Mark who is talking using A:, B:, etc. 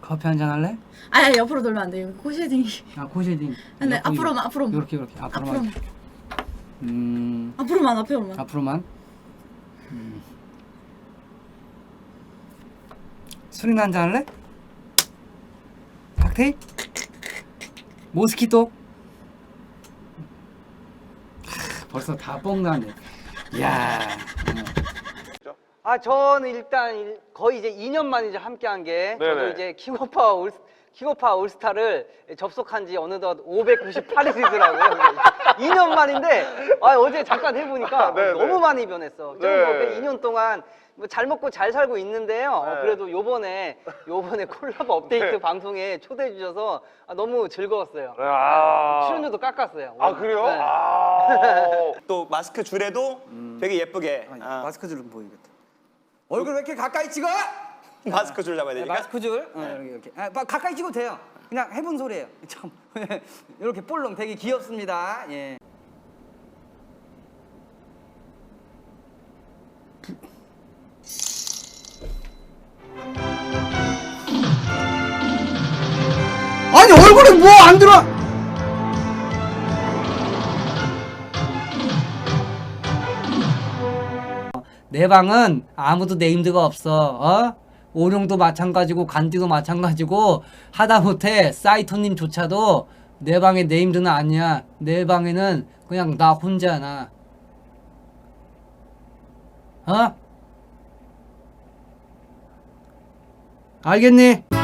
A: 커피 한잔 할래?
B: 아 옆으로 돌면 안 돼요. 코쉐딩이.
A: 아 코쉐딩.
B: 근데 앞으로만 앞으로만.
A: 이렇게 앞으로만.
B: 앞으로만 앞으로만.
A: 앞으로만. 술이나 한잔 할래? 칵테일? 모스키토? 벌써 다 뻥나네. 이야. 저는 일단 거의 이제 2년 만에 이제 함께한 게 저도
C: 네네.
A: 이제 킹오파 올스타를 접속한 지 어느덧 598일이더라고요. 2년 만인데 어제 잠깐 해보니까
C: 네네.
A: 너무 많이 변했어. 저는
C: 네.
A: 뭐 2년 동안 뭐 잘 먹고 잘 살고 있는데요.
C: 네.
A: 그래도 요번에 콜라보 업데이트
C: 네.
A: 방송에 초대해 주셔서 너무 즐거웠어요.
C: 아.
A: 출연료도 깎았어요.
C: 아 그래요?
A: 네.
C: 아.
D: 또 마스크 줄에도 되게 예쁘게
A: 마스크 줄은 보이겠다.
E: 얼굴 왜 이렇게 가까이 찍어?
D: 마스크 줄 잡아야 되니까.
E: 마스크 줄 이렇게 가까이 찍어도 돼요. 그냥 해본 소리예요. 참 이렇게 볼록 되게 귀엽습니다. 예.
A: 아니 얼굴에 뭐 안 들어? 내 방은 아무도 네임드가 없어. 오룡도 마찬가지고 간디도 마찬가지고 하다못해 사이토님조차도 내 방에 네임드는 아니야. 내 방에는 그냥 나 혼자나. 알겠니?